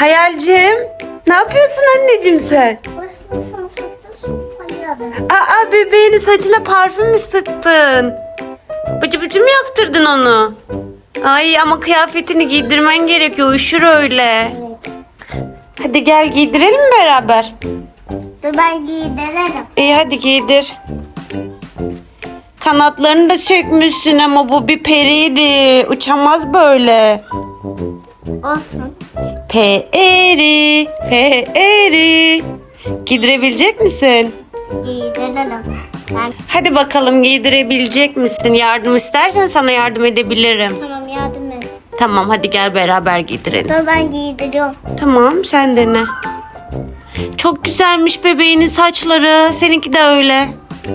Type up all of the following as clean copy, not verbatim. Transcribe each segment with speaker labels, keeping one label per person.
Speaker 1: Hayalcim, ne yapıyorsun anneciğim sen? Aa, bebeğini saçına parfüm mü sıktın? Bıcı bıcı mı yaptırdın onu? Ay ama kıyafetini giydirmen gerekiyor. Üşür öyle.
Speaker 2: Evet.
Speaker 1: Hadi gel giydirelim mi beraber?
Speaker 2: Dur ben giydiririm.
Speaker 1: İyi hadi giydir. Kanatlarını da sökmüşsün ama bu bir periydi. Uçamaz böyle.
Speaker 2: Olsun.
Speaker 1: Peri, peri. Giydirebilecek misin?
Speaker 2: Giydiririm. Ben
Speaker 1: Hadi bakalım giydirebilecek misin? Yardım istersen sana yardım edebilirim.
Speaker 2: tamam yardım et.
Speaker 1: Tamam hadi gel beraber giydirelim.
Speaker 2: Dur ben giydiriyorum.
Speaker 1: Tamam sen dene. Çok güzelmiş bebeğinin saçları. Seninki de öyle.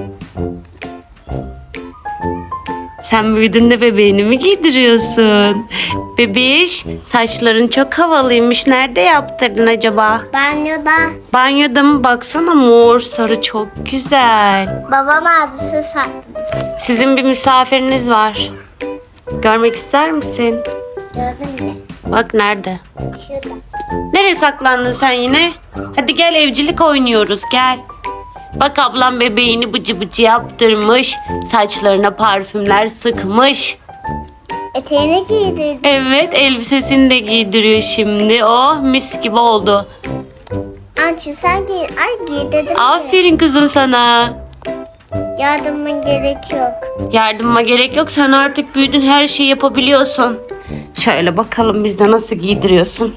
Speaker 1: Sen büyüdün de bebeğini mi giydiriyorsun? Bebiş, saçların çok havalıymış. Nerede yaptırdın acaba?
Speaker 2: Banyoda
Speaker 1: Banyoda mı? Baksana mor, sarı çok güzel.
Speaker 2: babam ağzısı saklamış.
Speaker 1: Sizin bir misafiriniz var. Görmek ister misin?
Speaker 2: Gördün mü?
Speaker 1: Bak nerede?
Speaker 2: Şurada.
Speaker 1: Nereye saklandın sen yine? Hadi gel evcilik oynuyoruz gel. Bak ablam bebeğini bıcı bıcı yaptırmış. Saçlarına parfümler sıkmış.
Speaker 2: Eteğini giydirdim.
Speaker 1: Evet elbisesini de giydiriyor şimdi. Oh mis gibi oldu.
Speaker 2: Ançım sen giy. Ay giydirdim.
Speaker 1: Aferin kızım sana.
Speaker 2: Yardımın gerek yok.
Speaker 1: Yardıma gerek yok. Sen artık büyüdün her şeyi yapabiliyorsun. Şöyle bakalım bizde nasıl giydiriyorsun.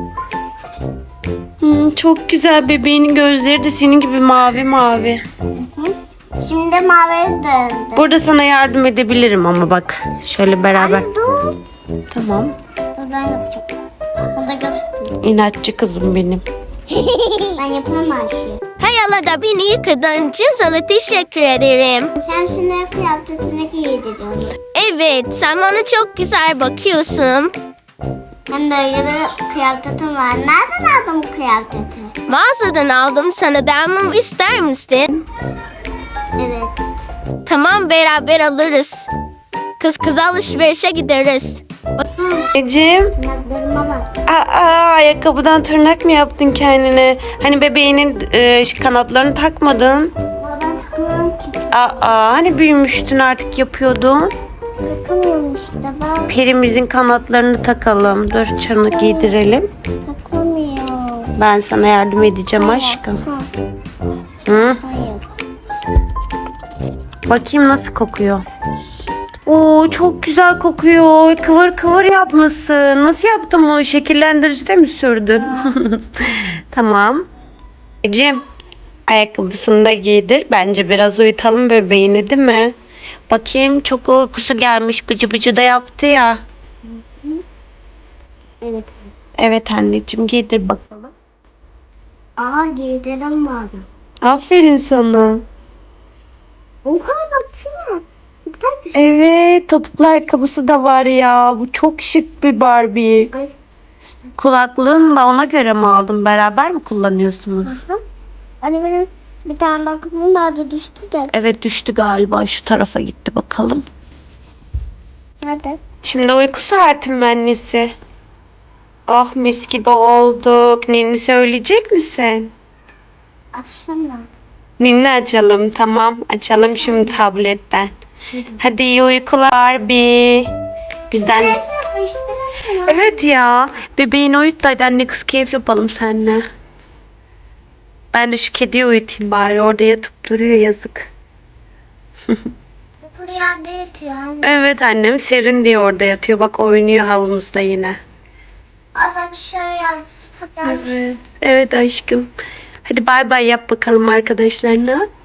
Speaker 1: Çok güzel bebeğinin gözleri de senin gibi mavi mavi.
Speaker 2: Şimdi maviye döndü.
Speaker 1: Burada sana yardım edebilirim ama bak. Şöyle beraber.
Speaker 2: Anne dur.
Speaker 1: Tamam.
Speaker 2: Dur ben yapacağım. O da gözüküyor.
Speaker 1: İnatçı kızım benim.
Speaker 2: Ben yapamam her şeyi.
Speaker 3: Hayalada beni yıkadığın için sana teşekkür ederim.
Speaker 2: Hem şimdi kıyafetini giydiriyorum.
Speaker 3: Evet, sen bana çok güzel bakıyorsun.
Speaker 2: Hem böyle bir kıyafetim var. Nereden aldın bu kıyafeti?
Speaker 3: Mağazadan aldım, sana da almamı ister misin?
Speaker 2: Evet.
Speaker 3: Tamam, beraber alırız. Kız kız alışverişe gideriz.
Speaker 1: Anneciğim.
Speaker 2: Tırnaklarıma bak.
Speaker 1: Ayakkabıdan tırnak mı yaptın kendine? Hani bebeğinin kanatlarını takmadın.
Speaker 2: Ama ben takmıyorum ki.
Speaker 1: Hani büyümüştün artık yapıyordun.
Speaker 2: Takamıyorum işte ben.
Speaker 1: Perimizin kanatlarını takalım. Dur çanı giydirelim.
Speaker 2: Takamıyorum.
Speaker 1: Ben sana yardım edeceğim aşkım.
Speaker 2: Sen.
Speaker 1: Hı?
Speaker 2: Hayır.
Speaker 1: Bakayım nasıl kokuyor. Oo çok güzel kokuyor. Kıvır kıvır yapmışsın. Nasıl yaptın bunu? Şekillendiricide mi sürdün? Tamam. Ecem ayakkabısını da giydir. Bence biraz uyutalım bebeğini değil mi? Bakayım çok uykusu gelmiş. Bıcı bıcı da yaptı ya.
Speaker 2: Evet.
Speaker 1: Evet anneciğim giydir bakalım.
Speaker 2: Giydirim vardı.
Speaker 1: Aferin sana.
Speaker 2: Oha baksana. Tabii.
Speaker 1: Evet topuklu ayakkabısı da var ya. Bu çok şık bir Barbie.
Speaker 2: Ay.
Speaker 1: Kulaklığını da ona göre mi aldın? Beraber mi kullanıyorsunuz?
Speaker 2: Hani benim bir tane takımım nerede düştü de.
Speaker 1: Evet düştü galiba. Şu tarafa gitti bakalım.
Speaker 2: Nerede?
Speaker 1: Şimdi uyku saatim mi annesi? Ah mis gibi olduk. Ninni söyleyecek misin?
Speaker 2: Açsana.
Speaker 1: Ninni açalım tamam. Açalım şimdi tabletten. Hadi iyi uykular Barbie. Bizden...
Speaker 2: Hepsini karıştırırsın.
Speaker 1: Evet ya. Bebeğini uyut da hadi anne kız keyif yapalım seninle. Ben de şu kediyi uyutayım bari. Orada yatıp duruyor yazık.
Speaker 2: Buraya yatıyor anne.
Speaker 1: Evet annem serin diye orada yatıyor. Bak oynuyor havumuzda yine.
Speaker 2: Azak şöyle yapsın.
Speaker 1: Evet. Evet aşkım. Hadi bay bay yap bakalım arkadaşlarına.